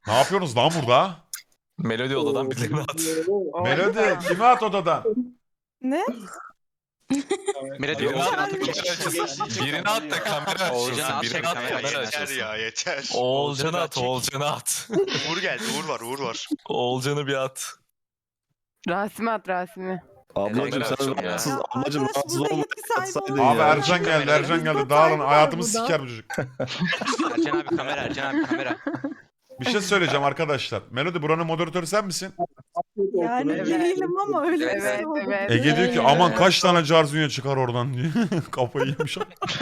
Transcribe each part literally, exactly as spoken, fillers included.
Ne yapıyorsunuz lan burada? Melodi odadan birilerini at. Melodi kimi at odadan? Ne? Melodi Birini Oğuzcan at, atıp kamera çıkış. açılsın. Birini at da kamera Oğuzcan açılsın. at, Birini at da kamera kamera açılsın. Yeter açılsın. ya yeter. Oğulcan'ı at, Oğulcan'ı Oğulcan'ı at. Uğur geldi Uğur var Uğur var. Oğulcan'ı bir at. Rasmi at Rasmi. Kamera Ablacım sen açıyor ya. rahatsız, ablacım Arkadaş, rahatsız burada olma. yetki sahibi Atsaydın oluyor. Abi ya. Ercan geldi, Ercan geldi. Dağılın, hayatımı burada. siker bu çocuk. Ercan abi kamera, Ercan abi kamera. Bir şey söyleyeceğim arkadaşlar. Melodi buranın moderatörü sen misin? Yani değilim ama öyle bir şey Evet, oldu. evet. Ege diyor ki aman kaç tane Carzunya çıkar oradan diyor. Kafayı yemiş.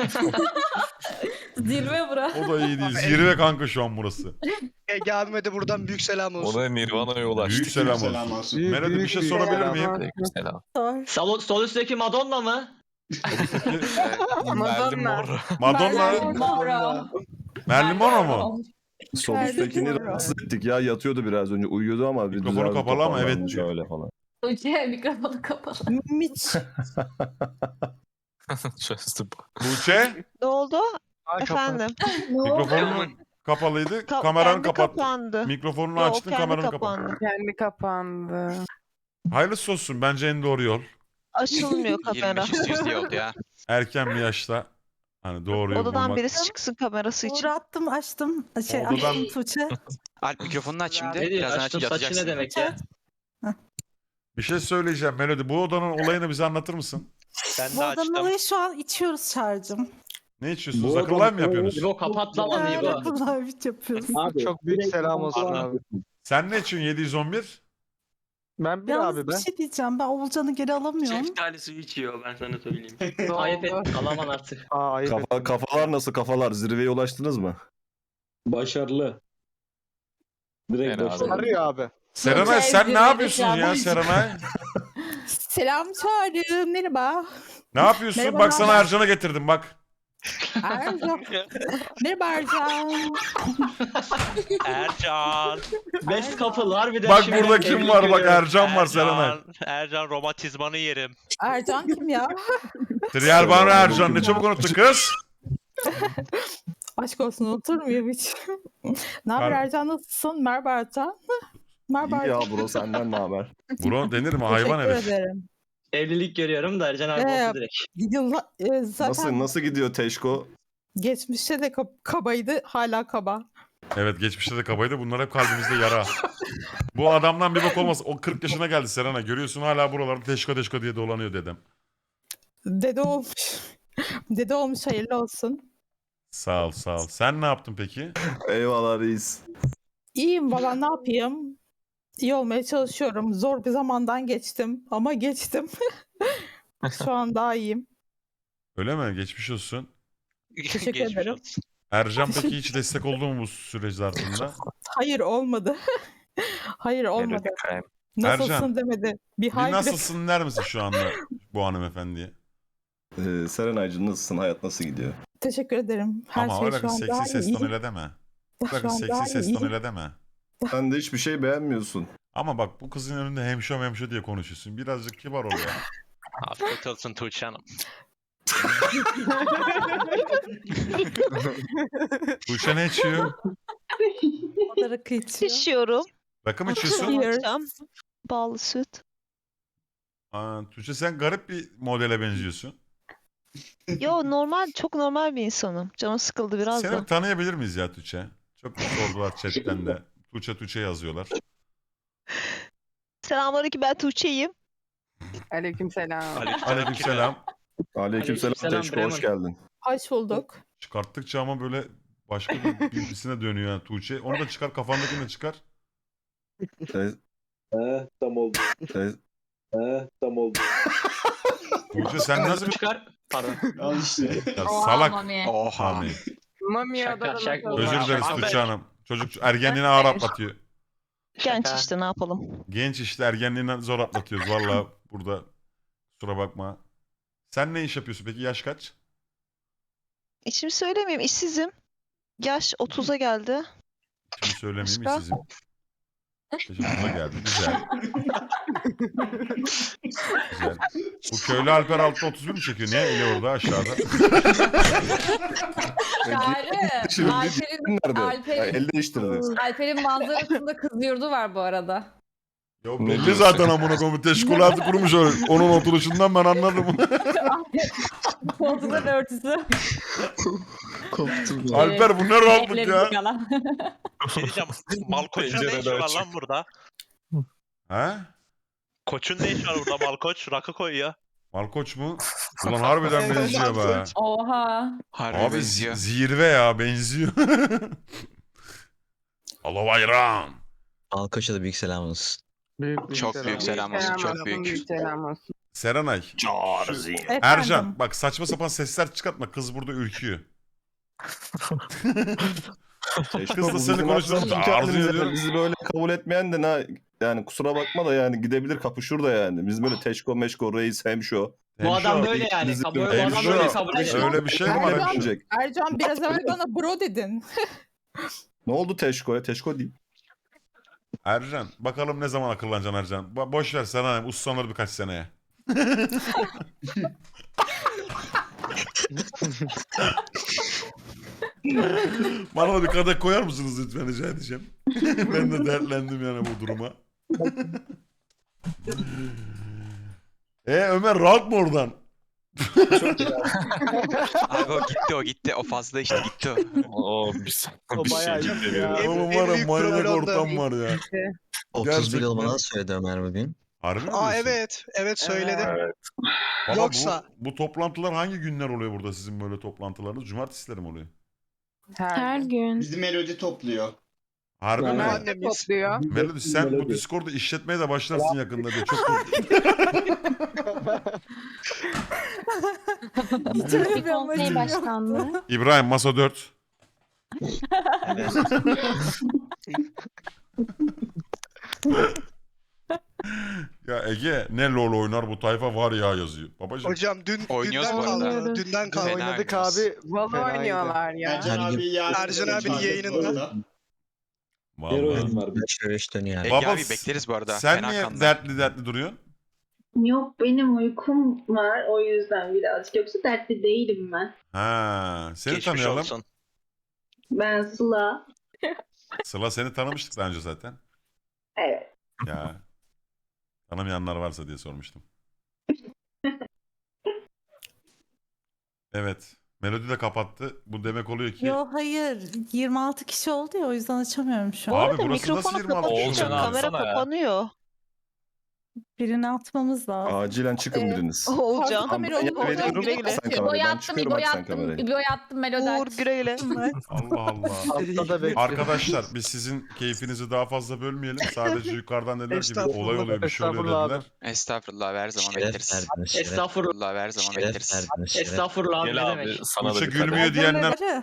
Zirve bura. O da iyi değil. Zirve kanka şu an burası. Ege abime de buradan büyük selam olsun. Ona Nirvana'ya ulaştık. Büyük selam olsun. Melodi bir şey sorabilir miyim? Aleykümselam. Sor. Sol, sol üstteki Madonna mı? Merlin Madonna. Mor. Madonna, Mora. Merlin Monroe mu? Sol üsttekini rahatsız ettik ya, yatıyordu biraz önce, uyuyordu ama bir Mikrofonu düzeldi, kapalı ama evet toparlandı diyor. Öyle falan. Tuğçe mikrofonu kapalı. Miç. Çözdü bu. Tuğçe, Ne oldu? Efendim. mikrofonun kapalıydı. Ka- Kameranı kendi kapat. kapandı. Mikrofonunu Yok, açtın, kendi kameranı kapat. kapandı. Kendi kapandı. Hayırlısı olsun. Bence en doğru yol. Açılmıyor kamera. yirmi beş üstü yüz diye oldu ya. Erken bir yaşta hani doğru yol Odadan bulmak. birisi çıksın kamerası için. Uğur attım açtım. Şey Odadan- açtım Tuğçe. Alp mikrofonunu aç şimdi. Ne diyor? Birazdan aç Açtım saçı ne yatacaksın. demek ya? Bir şey söyleyeceğim Melodi. Bu odanın olayını bize anlatır mısın? Ben Bu de odanın açtım. olayı şu an içiyoruz şarjım. Ne içiyorsunuz? Akıl live mi yapıyorsunuz? İbo kapat lan onu İbo. Bunlar bir yapıyoruz. Çok büyük selam olsun abi. Sen ne içiyorsun yedi yüz on bir? Ben bir Yalnız abi bir ben. şey diyeceğim. Ben Oğulcan'ı geri alamıyorum. Şeftali suyu içiyor ben sana söyleyeyim. Ayıp et alaman artık. Aa ayıp Kafa, ettim. kafalar nasıl kafalar? Zirveye ulaştınız mı? Başarılı. Direkt Fena başarılı. Arıyor abi. Serenay sen ne zirvede yapıyorsun şu an. ya Serenay? Selam çağrı. Merhaba. Ne yapıyorsun? Merhaba, Bak sana merhaba. Ercan'a getirdim bak. Ercan. Merhaba Ercan. Ercan. Best couple harbiden. Bak şimdi burada kim evlilik var? Bak görüyorum. Ercan var Serenay. Ercan, Ercan romatizmanı yerim. Ercan kim ya? Trial Banro Ercan ne çabuk unuttun kız. Aşk olsun unutur muyum hiç? Ne haber Mer- Ercan, nasılsın? Merhaba Ercan. Merhaba İyi ya Ercan. bro, senden ne haber? Bro denir mi? Hayvan Teşekkür herif. ederim. Evlilik görüyorum da Ercan abi Ee, oldu direkt. Yılla, e, zaten Nasıl nasıl gidiyor Teşko? geçmişte de kab- kabaydı, hala kaba. Evet geçmişte de kabaydı. Bunlar hep kalbimizde yara. Bu adamdan bir bak olmaz. O kırk yaşına geldi Serenay. Görüyorsun hala buralarda teşko teşko diye dolanıyor dedem. Dede olmuş. Dede olmuş, hayırlı olsun. Sağ ol sağ ol. Sen ne yaptın peki? Eyvallah reis. İyiyim valla, ne yapayım? İyi olmaya çalışıyorum. Zor bir zamandan geçtim ama geçtim. Şu an daha iyiyim. Öyle mi? Geçmiş olsun. Teşekkür Geçmiş ederim. olsun. Ercan peki hiç destek oldu mu bu süreç zarfında? Hayır olmadı. Hayır olmadı. Melodi Krem. Nasılsın Ercan, demedi. Bir Bir hayır. nasılsın der misin şu anda bu hanımefendiye? Ee, Serenaycığım nasılsın? Hayat nasıl gidiyor? Teşekkür ederim. Her Ama şey öyle şu kız an daha seksi ses iyi. tonuyla deme. Şu Bakın an daha seksi ses iyi. tonuyla deme. Sen de hiçbir şey beğenmiyorsun. Ama bak bu kızın önünde hemşo hemşo diye konuşuyorsun. Birazcık kibar ol ya. Afiyet olsun Tuğçe Hanım. Tuğçe ne içiyor? O da rakı içiyor. Pişiyorum. Rakı mı içiyorsun? Yes. Akşam. Ballı süt. Aa, Tuğçe sen garip bir modele benziyorsun. Yo, normal, çok normal bir insanım. Canım sıkıldı biraz Seni da. bir tanıyabilir miyiz ya Tuğçe? Çok sordular chatten de. Tuğçe Tuğçe yazıyorlar. Selamünaleyküm, ben Tuğçe'yim. Aleykümselam. Aleykümselam. Aleykümselam Aleykümselam, Teşko, hoş geldin. Hoş bulduk. Çıkarttıkça ama böyle başka bir birisine dönüyor yani Tuğçe. Onu da çıkar, kafandakini de çıkar. Te- He tam oldu. te- He tam oldu. Tuğçe sen nasıl bir... Çıkar. Pardon. Al işte. Ya Oha, salak. mami. Oha. Hani. Mami Şaka, odadan şaka. atıldı. Özür dileriz Abi- Tuğçe Hanım. Çocuk ergenliğini ağır atlatıyor. Genç Şaka. işte, ne yapalım. Genç işte ergenliğini zor atlatıyoruz valla burada. Kusura bakma. Sen ne iş yapıyorsun peki? Yaş kaç? İçimi söylemeyeyim, işsizim. Yaş otuza geldi. Şimdi söylemeyeyim Başka? işsizim. Teşekkürler geldi. Güzel. Güzel. Bu köylü Alper altta otuz bir mi çekiyor? Niye eli orada aşağıda? Çağrı. Şimdi Alper'in, nerede? Ya, Alper'in, el değiştirdi. Alper'in manzarasında kız yurdu var bu arada. Ya belli zaten amına koyayım. Teşkilatı kurmuş öyle. Onun oturuşundan ben anladım. Koltukların örtüsü. Alper bu ne rahatlık ya. Bir şey diyeceğim. Malkoç'un ne işi var lan burada? He? Koç'un ne işi var burada Malkoç? Rakı koyuyor. Malkoç mu? Ulan harbiden benziyor be. Oha. Harbi Abi benziyor. z- zirve ya benziyor. Allah bayram. Malkoç'a da büyük selam olsun. Büyük Çok büyük selam olsun. Selam Çok olsun, büyük. büyük selam olsun. Serenay. Efendim. Ercan bak saçma sapan sesler çıkartma. Kız burada ürküyor. Kız da seni konuştuğunda arzu ediyorum. Bizi böyle kabul etmeyen de ne yani kusura bakma da yani gidebilir kapışır da yani. Biz böyle teşko meşko reis hemşo. Bu adam Hemşo, böyle yani. Bizi Bu böyle- bu adam Hemşo, böyle kabul ediyor. öyle bir şey mi var? Ercan- Diyecek. Ercan biraz evvel bana bro dedin. Ne oldu teşkoya? Teşko değil. Ercan bakalım ne zaman akıllanacaksın Ercan. Ba- boş ver sana uslanır birkaç seneye. Bana da bir kadeh koyar mısınız lütfen rica edeceğim. Ben de dertlendim yani bu duruma. e Ömer rahat mı oradan? Abi o gitti o gitti. O fazla işte gitti o. Oo bir, O bir bayağı şey iyi gibi. ya. ya. Oğlum en var ya büyük manyak troll onda. ortam var ya. otuz bir Gerçekten. yıl bana söyledi Ömer bugün. Harbi mi Aa diyorsun? evet. Evet söyledi. Evet. Baba, Yoksa- bu, bu toplantılar hangi günler oluyor burada sizin böyle toplantılarınız? Cumartesileri mi oluyor? Her gün. Bizi melodi topluyor. Harbi mi? Ömer de Annemiz. topluyor. Melody sen bu Discord'u işletmeye de başlarsın yakında diye çok Hiç öyle bir amacım yoktu. İbrahim masa dört. Ya Ege ne LoL oynar bu tayfa var ya yazıyor. Babacım Hocam dün Oynuyoruz dünden bu arada. kaldı. Dünden kaldı. Fena Oynadık. oynuyoruz. Abi. Valla Fenaydı. oynuyorlar ya. Ercan Her gün- abi yarın Ercan abinin yayınında. vallahi. üç üç dönüyor yani. Ege Baba, abi bekleriz bu arada. Sen Fena niye kanlı. dertli dertli duruyorsun? Yok benim uykum var o yüzden birazcık. Yoksa dertli değilim ben. Ha, seni Geçmiş tanıyalım. olsun. Ben Sıla. Sıla seni tanımıştık daha önce zaten. Evet. Ya. Tanımayanlar varsa diye sormuştum. Evet. Melodi de kapattı. Bu demek oluyor ki Yo hayır. yirmi altı kişi oldu ya o yüzden açamıyorum şu an. Abi Orada burası nasıl mikrofonu yirmi altı kapatınca kişi oluyor? kamera Alsana ya. kapanıyor. Birini atmamız lazım. Acilen çıkın Ee, biriniz. Oğulcan. kamera Ben olur, olur, veriyorum, güle güle. sen kamerayı. Ben çıkıyorum bak sen kamerayı. İbo'yu attım melodi. Uğur güle güle. Allah Allah. Altta da bekliyor. Arkadaşlar biz sizin keyfinizi daha fazla bölmeyelim. Sadece yukarıdan dediler ki bir Estağfurullah, olay oluyor bir şey oluyor estağfurullah dediler. Estağfurullah her zaman Şeref bekleriz. verdiniz şeref. Estağfurullah. Estağfurullah her zaman Şeref bekleriz. verdiniz şeref. Estağfurullah abi ne Gel abi demek. sana da Tuğçe bir kadeh. gülmüyor diyenler. Ercan'ları-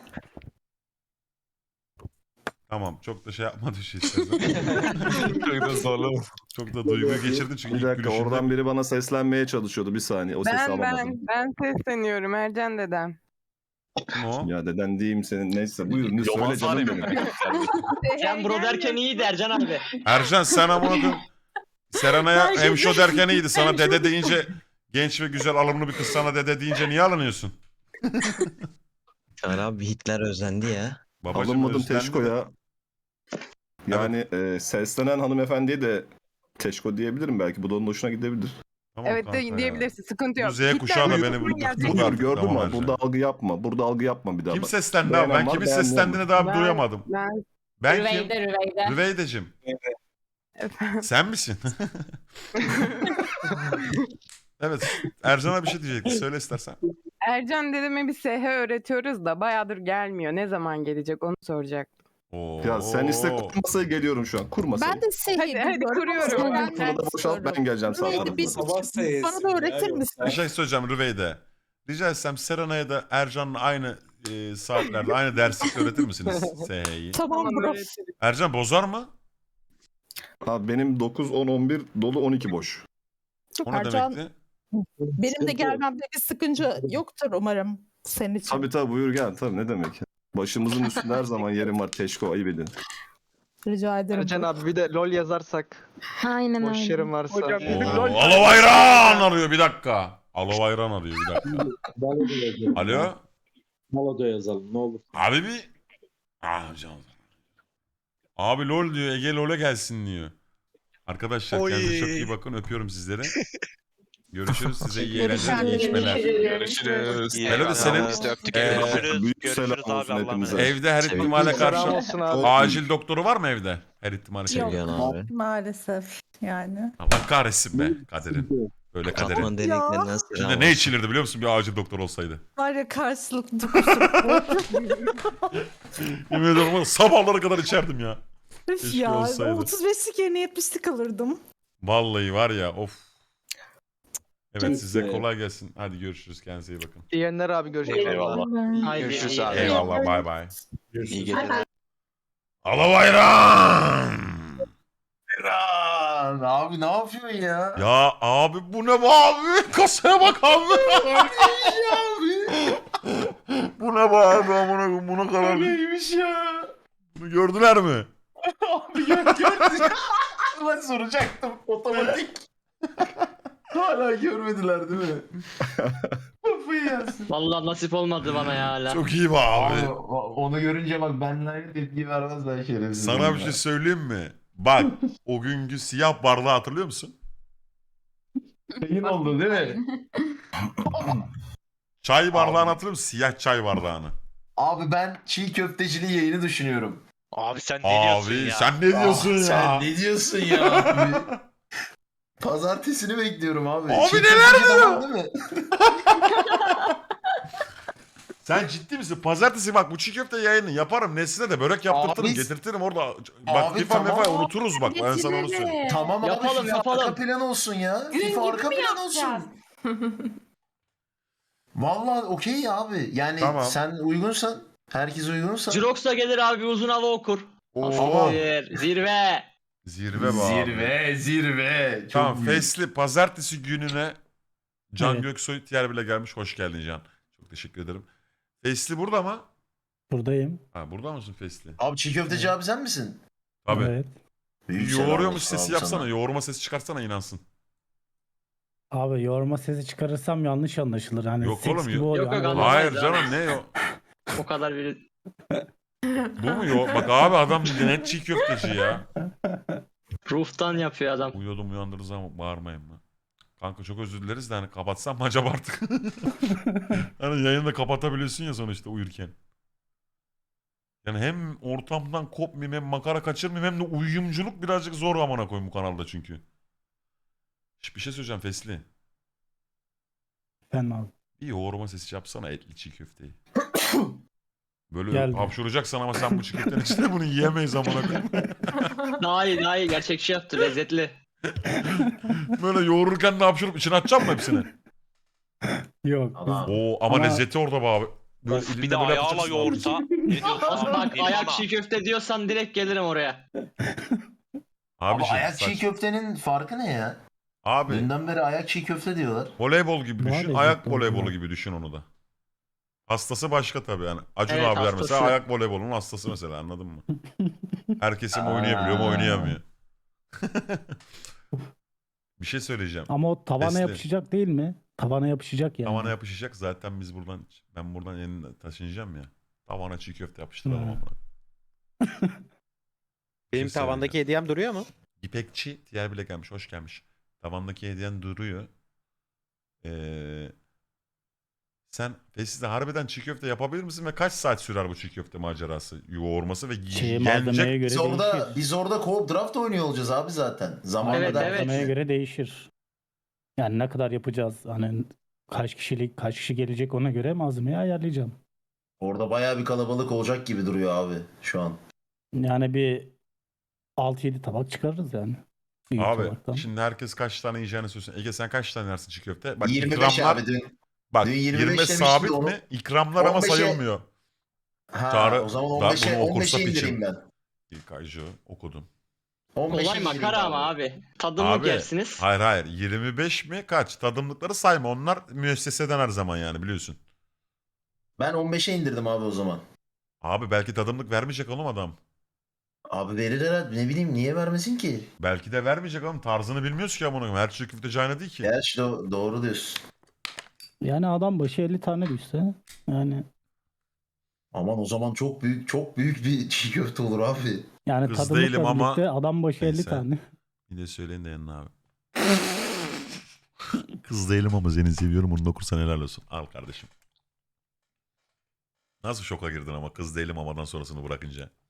Tamam çok da şey yapma düşü istersen. Çok da zorlu. Çok da duyguyu geçirdin çünkü Bir ilk dakika gülüşünde. oradan biri bana seslenmeye çalışıyordu bir saniye. O sesi Ben ben alamadım. ben sesleniyorum Ercan dedem. Kim o? Ya deden diyeyim senin neyse buyurun ne söyle Yaman canım sahne benim. mi? Sen bro derken iyiydi Ercan abi. Ercan sen amına koyayım. Serenay'a hemşo derken iyiydi. Sana dede deyince genç ve güzel alımlı bir kız sana dede deyince niye alınıyorsun? Çağrı abi Hitler özlendi ya. Babacım Alınmadım özlendi Teşko de. ya. Yani e, seslenen hanımefendiye de Teşko diyebilirim belki. Bu da onun hoşuna gidebilir. Tamam Evet kanka de, ya. diyebilirsin sıkıntı yok. Bu Z kuşağı da Hitler beni buyurun bu- gerçekten. bu- Buyur artık, gördün tamam mü? Ercan. Burada algı yapma. Burada algı yapma bir daha. Kim bak. seslendi abi? Ben Beğenen var, kimin beğenmeyen seslendiğini var. daha Ben- duyamadım. Ben Ben kim? Rüveyde Rüveyde. Rüveydeciğim. Sen misin? Evet. Ercan'a bir şey diyecekti. Söyle istersen. Ercan dedeme bir S H öğretiyoruz da bayağıdır gelmiyor. Ne zaman gelecek onu soracak. Oo. Ya sen iste kur masayı geliyorum şu an. Kur masayı. Ben de şey Hadi, hadi kuruyorum. Ben, Burada da boşalt ben geleceğim Rüveyde sana. bir- bana da öğretir misin? Bir şey söyleyeceğim Rüveyde. Rica etsem Serenay'a da Ercan'la aynı e, saatlerde aynı derslikte öğretir misiniz S H'yi? Tamam Tamam, bro. öğretirim. Ercan bozar mı? Abi benim dokuz, on, on bir dolu on iki boş. O ne Ercan, demekti? benim de gelmemde bir sıkıntı yoktur umarım senin için. Tabii tabii buyur gel tabii ne demek. Başımızın üstünde her zaman yerim var Teşko ayıp edin. Rica ederim. Ercan abi bir de lol yazarsak. Aynen Boş öyle. yerim varsa. Hocam Oo, bizim lol Alo Ayran arıyor bir dakika. Alo Ayran arıyor bir dakika. Alo. Maloda yazalım ne olur. Abi bir... Ah canım. Abi lol diyor. Ege lol'e gelsin diyor. Arkadaşlar Oy. kendinize çok iyi bakın. Öpüyorum sizleri. Görüşürüz. Size iyi Görüşürüz. eğlenceler, iyi içmeler. Görüşürüz. İyi Helal eyvallah. senin- Biz de öptük. Ee, Görüşürüz. Büyük Görüşürüz selam abi, olsun Allah'a hepimize. emanet. Evde her Sevindim. ihtimale Selam karşı olsun abi. acil doktoru var mı evde? Her ihtimale şey. Yok. abi. Maalesef yani. Allah kahretsin be kaderin. Böyle kaderin. deliklerinden Şimdi ne içilirdi biliyor musun bir acil doktor olsaydı? Var ya karşılıklı Yemin ediyorum ama sabahlara kadar içerdim ya. Keşke ya. olsaydı. otuz beşlik yerine yetmişlik alırdım. Vallahi var ya of. Evet Neyse. size kolay gelsin. Hadi görüşürüz. Kendinize iyi bakın. İyi yayınlar abi görüşürüz. Eyvallah. Görüşürüz abi. Eyvallah bay bay. İyi geceler. Alo Bayram. Lan abi ne yapıyorsun ya? Ya abi bu ne be abi? Kasaya bak abi. Bu ne be abi? Buna, buna kadar. Neymiş ya? Bunu gördüler mi? Abi gör gördün. Ben soracaktım otomatik. Hala görmediler değil mi? Kafayı yersin. Vallahi nasip olmadı bana ya hala. Çok iyi be abi. Abi onu görünce bak benimle tepki vermez ben şerefsiz. Sana bir şey söyleyeyim mi? Bak o günkü siyah bardağı hatırlıyor musun? Şeyin oldu değil mi? Çay bardağını hatırlıyor musun? Siyah çay bardağını. Abi ben çiğ köfteciliği yayını düşünüyorum. Abi sen ne diyorsun Abi ya? sen ne diyorsun Ah, ya? Sen ne diyorsun ya? Abi? Pazartesini bekliyorum abi. Abi Çiğ neler köfteci diyor? tamam değil mi? Sen ciddi misin? Pazartesi bak bu çiğ köfte yayını yaparım. Nesline de börek yaptırtırım. Abi- Getirtirim orada. Bak Abi FIFA tamam. mefa unuturuz bak. Ben sana onu söyleyeyim. Tamam abi Yapalım, FIFA yapalım. arka plan olsun ya. FIFA arka plan olsun. Vallahi okey abi. Yani Tamam. sen uygunsan, herkes uygunsa. Jirox da gelir abi uzun hava okur. Oo. Asiktir, Zirve. Zirve be abi. Zirve, zirve. Çok Tamam büyük. Fesli pazartesi gününe Can Evet. Göksoy Tiyer bile gelmiş. Hoş geldin Can. Çok teşekkür ederim. Fesli burada mı? Buradayım. Ha burada mısın Fesli? Abi çiğ köfteci abi sen misin? Tabii. Evet. Büyük selam Yoğuruyormuş olsun sesi abi yapsana. sana. Yoğurma sesi çıkarsana inansın. Abi yoğurma sesi çıkarırsam yanlış anlaşılır. Hani Yok seks oğlum, gibi yok. oluyor. Yok, yok, Hani böyle- anlamadım. Hayır canım ne o? O kadar bir... Bu mu yo? Bak abi adam net çiğ köfteci ya. Ruhtan yapıyor adam. Uyuyordum uyandırırız ama bağırmayın mı? Kanka çok özür dileriz de hani kapatsam mı acaba artık? Hani yayını da kapatabiliyorsun ya sonuçta uyurken. Yani hem ortamdan kopmayayım hem makara kaçırmayayım hem de uyuyumculuk birazcık zor amına koyayım bu kanalda çünkü. Şş, bir şey söyleyeceğim Fesli. Ben abi. Bir yoğurma sesi yapsana etli çiğ köfteyi. Böyle Geldi. hapşuracaksın ama sen bu çiğ köftenin içinde bunu yiyemeyiz amına koyayım. Daha iyi daha iyi gerçekçi yaptı lezzetli. Böyle yoğururken de hapşurup içine atacağım mı hepsini? Yok. Adam. Oo ama, Ama- lezzeti orada be abi. Böyle Of, elinde bir de böyle ayağla yapacaksın. yoğursa. Ne diyorsun? Bak Bir ayak bana. çiğ köfte diyorsan direkt gelirim oraya. Abi, Abi şey, ayak çiğ saç- köftenin farkı ne ya? Abi Dünden beri ayak çiğ köfte diyorlar. voleybol gibi Daha düşün. lezzetli Ayak oluyor. voleybolu gibi düşün onu da. Hastası başka tabii yani. Acun Evet, abiler hastası. mesela ayak voleybolunun hastası mesela anladın mı? Herkesi mi oynayabiliyor mu Aa. oynayamıyor. Bir şey söyleyeceğim. Ama o tavana Fesli. yapışacak değil mi? Tavana yapışacak yani. Tavana yapışacak zaten biz buradan ben buradan yeniden taşınacağım ya. Tavana çiğ köfte yapıştıralım Hı. ama. Benim şey tavandaki hediyem duruyor mu? İpekçi diğer bile gelmiş. Hoş gelmiş. Tavandaki hediyen duruyor. Ee, sen Fesli'de harbiden çiğ köfte yapabilir misin ve kaç saat sürer bu çiğ köfte macerası? Yoğurması ve Şey, malzemeye gelecek. göre Biz orada değişir. biz orada co-op draft oynuyor olacağız abi zaten. Zamanla Evet, derken- evet. Malzemeye göre değişir. Yani ne kadar yapacağız? Hani kaç kişilik, kaç kişi gelecek ona göre malzemeyi ayarlayacağım. Orada bayağı bir kalabalık olacak gibi duruyor abi şu an. Yani bir altı yedi tabak çıkarırız yani. Büyük Abi tabaktan. şimdi herkes kaç tane yiyeceğini söylesin. Ege sen kaç tane yersin çiğ köfte? Bak yirmi beş ikramlar, abi dün. bak dün yirmi beş yirmi demişti sabit de onu- mi? İkramlar ama on beşe sayılmıyor. Ha, Çağrı- o zaman daha on beşe bunu on okursa beşe piçim. indireyim ben. İlk aycı okudum. on beşe Kolay indireyim makara ama abi. Tadımlık Abi, yersiniz. Hayır hayır yirmi beş mi kaç? Tadımlıkları sayma onlar müesseseden her zaman yani biliyorsun. Ben on beşe indirdim abi o zaman. Abi belki tadımlık vermeyecek oğlum adam. Abi verir herhalde. Ne bileyim niye vermesin ki? Belki de vermeyecek oğlum. Tarzını bilmiyoruz ki amına koyayım. Her çiğ köfteci aynı değil ki. Gerçi do- doğru diyorsun. Yani adam başı elli tane düşse yani Aman o zaman çok büyük çok büyük bir çiğ köfte olur abi. yani Kız tadımlıkla değilim ama- birlikte adam başı elli Neyse. tane. Bir de söyleyin de yanına abi. Kız değilim ama seni seviyorum. Onu da okursan helal olsun. Al kardeşim. Nasıl şoka girdin ama kız değilim amadan sonrasını bırakınca.